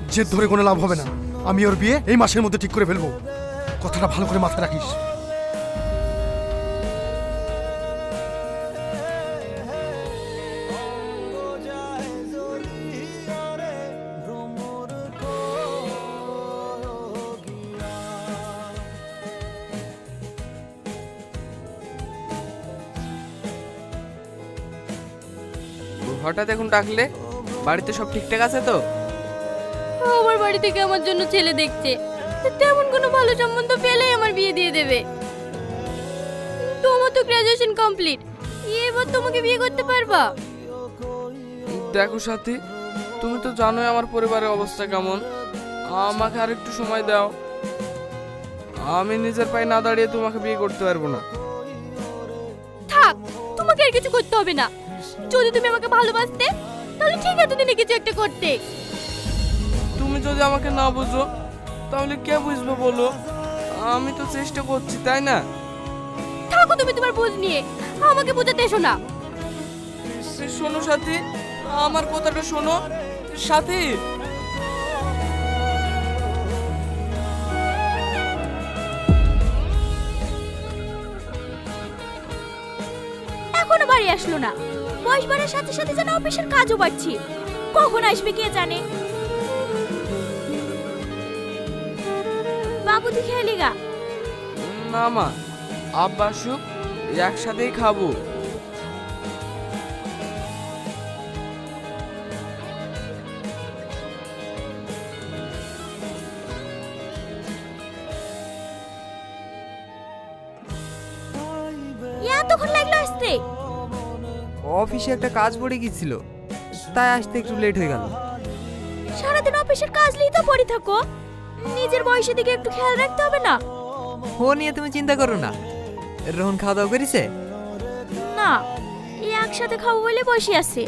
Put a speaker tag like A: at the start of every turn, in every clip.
A: জেদ ধরে কোনো লাভ হবে না। আমি ওর বিয়ে এই মাসের মধ্যে ঠিক করে ফেলবো। কথাটা ভালো করে মাথায় রাখিস।
B: হঠাৎ এখন ডাকলে? বাড়িতে সব ঠিকঠাক আছে তো?
C: আমার বাড়ি থেকে আমার জন্য ছেলে দেখছে, তেমন কোনো ভালো সম্বন্ধ পেলেই আমার বিয়ে দিয়ে দেবে। তোমার তো গ্রাজুয়েশন কমপ্লিট, এবার তোমাকে বিয়ে করতে পারবা?
B: দেখো সাথী, তুমি তো জানোই আমার পরিবারের অবস্থা কেমন। আমাকে আর একটু সময় দাও। আমি নিজের পায়ে না দাঁড়িয়ে তোমাকে বিয়ে করতে পারবো না।
C: থাক, তোমাকে আর কিছু করতে হবে না। যদি তুমি আমাকে ভালোবাসতে তাহলে ঠিক এতদিনে কিছু একটা করতে।
B: তুমি যদি আমাকে না বুঝো তাহলে কে বুঝবে বলো? আমি তো চেষ্টা করছি, তাই না?
C: থাকো তুমি তোমার বুঝ নিয়ে, আমাকে বোঝাতে এসো না।
B: শোনো সাথী, আমার কথাটা শোনো সাথী।
C: এখনো বাড়ি আসলো না। বয়স বাড়ার সাথে সাথে যেন অফিসের কাজও বাড়ছে। কখন আসবে কে জানে। বাবু তুই খেয়ালি গা।
B: না মা, আব্বা আসুক, একসাথেই খাবো।
C: এতক্ষণ লাগলো আসতে?
D: অফিসে একটা কাজ পড়ে গিয়েছিল, তাই আসতে একটু লেট হয়ে গেল।
C: সারাদিন অফিসের কাজ নিয়ে তো পড়ে থাকো, নিজের বয়সের দিকে একটু খেয়াল রাখতে হবে না?
D: ও নিয়ে তুমি চিন্তা করো না। রোহন খাওয়া দাওয়া করেছে?
C: না, এই একসাথে খাবো বলে বসে আছে।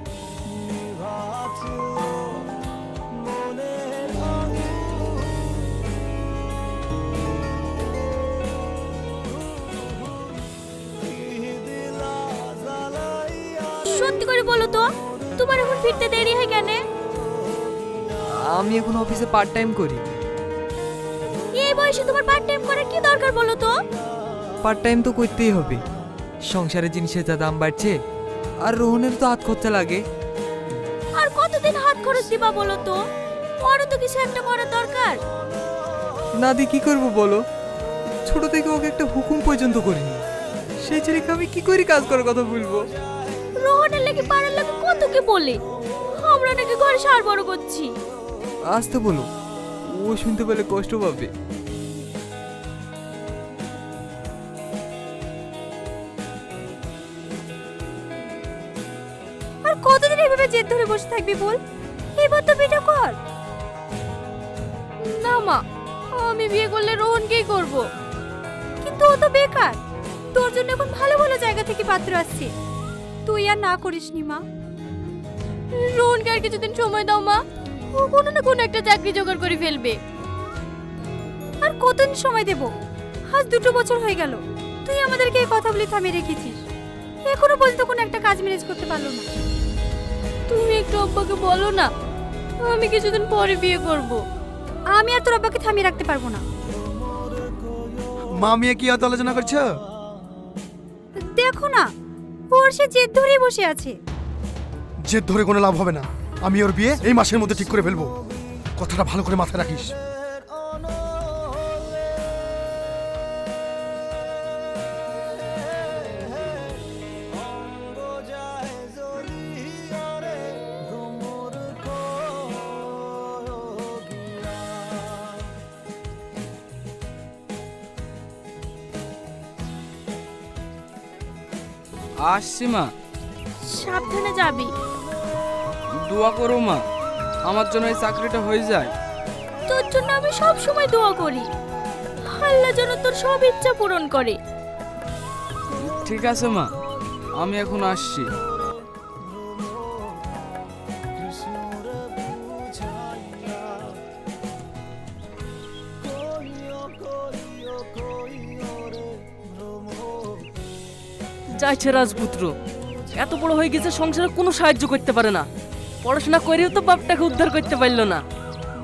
C: সত্যি করে বলো তো, তোমার এখন ফিরতে দেরি হয় কেন?
D: আমি এখন অফিসে পার্ট টাইম করি।
C: এই বয়সে তোমার পার্ট টাইম করার কি দরকার বলো তো?
D: পার্ট টাইম তো করতেই হবে, সংসারের জিনিসের যা দাম বাড়ছে, আর রোহনের তো হাত খরচা লাগে।
C: আর কতদিন হাত খরচ দিবা বলো তো? ওরও তো কিছু একটা করার দরকার।
D: না দিয়ে কি করবো বলো? ছোট থেকে ওকে একটা হুকুম পর্যন্ত করিনি। সেই ছেলেকে আমি কি করে কাজ করার কথা বলবো?
C: রোহনের লেগে পাড়ার লেগে কত কি বলে, আমরা নাকি ঘরে সার বড় করছি।
D: আসতে বলো, ও শুনতে পেলে কষ্ট পাবে।
C: আর কতদিন এভাবে জেদ ধরে বসে থাকবি বল? এবার তো বিয়ে কর। না মা, আমি বিয়ে করলে রোহনকেই করব। কিন্তু ও তো বেকার, তোর জন্য এখন ভালো ভালো জায়গা থেকে পাত্র আসছে। তুই আর না করিস নি মা। রোহনকে আর কিছুদিন সময় দাও মা, ও কোনো না কোনো একটা চাকরি জোগাড় করে ফেলবে। আর কতদিন সময় দেব? আজ 2 বছর হয়ে গেল তুই আমাদেরকে এই কথা বলে থামিয়ে রেখেছিস, এখনো পর্যন্ত কোনো একটা কাজ ম্যানেজ করতে পারলো না। তুমি একটু আব্বাকে বলো না, আমি কিছুদিন পরে বিয়ে করব। আমি আর তোর আব্বাকে থামিয়ে রাখতে পারবো না।
A: মা মেয়ে কি এত আলোচনা করছো?
C: দেখো না, ওর সে জেদ ধরেই বসে আছে।
A: জেদ ধরে কোনো লাভ হবে না। আমি ওর বিয়ে এই মাসের মধ্যে ঠিক করে ফেলবো। কথাটা ভালো করে মাথায় রাখিস।
B: আসছি মা।
C: সাবধানে যাবি।
B: দোয়া করো মা, আমার জন্য এই চাকরিটা হয়ে যায়।
C: তোর জন্য আমি সব সময় দোয়া করি, আল্লাহ যেন তোর সব ইচ্ছা পূরণ করে।
B: ঠিক আছে মা, আমি এখন আসছি।
E: যাইছে রাজপুত্র, এত বড় হয়ে গেছে সংসারে কোনো সাহায্য করতে পারে না। পড়াশোনা করেও তো বাপটাকে উদ্ধার করতে পারলো না।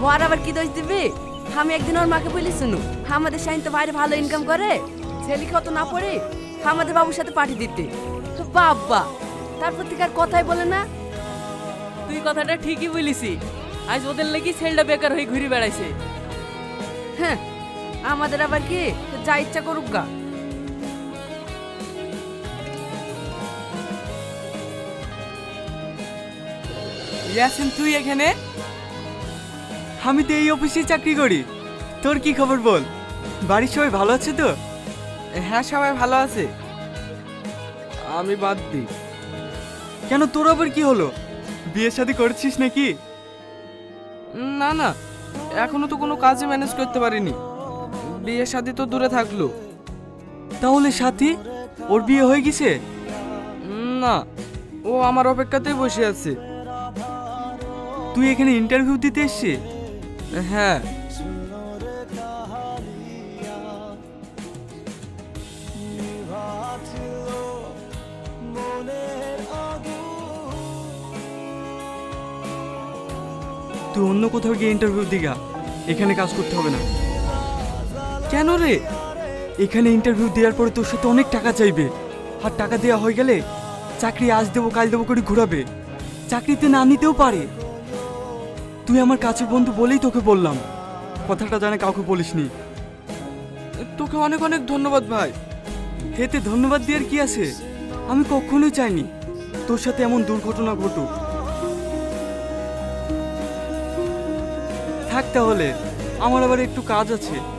F: ওর আবার কি দোষ দিবি? আমি একদিন ওর মাকে বলি শুনু, আমাদের শাইন তো বাইরে ভালো ইনকাম করে, ছেলে কত না পড়ে আমাদের বাবুর সাথে পাঠিয়ে দিতে। বাবা, তারপর থেকে আর কথাই বলে না।
E: তুই কথাটা ঠিকই বলিসি, আজ ওদের লাগি ছেলেটা বেকার হয়ে ঘুরে বেড়াইছে।
F: হ্যাঁ, আমাদের আবার কি যা ইচ্ছা করুক গা।
B: ইয়াসিন, তুই এখানে?
D: আমি তো এই অফিসে চাকরি করি। তোর কি খবর বল? বাড়ির সবাই ভালো আছে তো?
B: হ্যাঁ, সবাই ভালো আছে। আমি বাদ দিই।
D: কেন, তোর আবার কি হলো? বিয়ে শাদী করেছিস নাকি?
B: না না, এখনো তো কোনো কাজে ম্যানেজ করতে পারিনি। বিয়ে শাদী তো দূরে থাকলো।
D: তাহলে সাথী, ওর বিয়ে হয়ে গেছে?
B: না, ও আমার অপেক্ষাতেই বসে আছে।
D: তুই এখানে ইন্টারভিউ দিতে এসছিস?
B: হ্যাঁ।
D: তুই অন্য কোথাও গিয়ে ইন্টারভিউ দিগা, এখানে কাজ করতে হবে না।
B: কেন রে?
D: এখানে ইন্টারভিউ দেওয়ার পরে তোর সাথে অনেক টাকা চাইবে, আর টাকা দেওয়া হয়ে গেলে চাকরি আজ দেবো কাল দেবো করে ঘোরাবে, চাকরিতে না নিতেও পারে। তুই আমার কাছের বন্ধু বলেই তোকে বললাম, কথাটা জানে কাউকে বলিসনি।
B: তোকে অনেক অনেক ধন্যবাদ ভাই।
D: এতে ধন্যবাদ দেওয়ার কি আছে? আমি কখনোই চাইনি তোর সাথে এমন দুর্ঘটনা ঘটুক। থাক তাহলে, আমার আবার একটু কাজ আছে।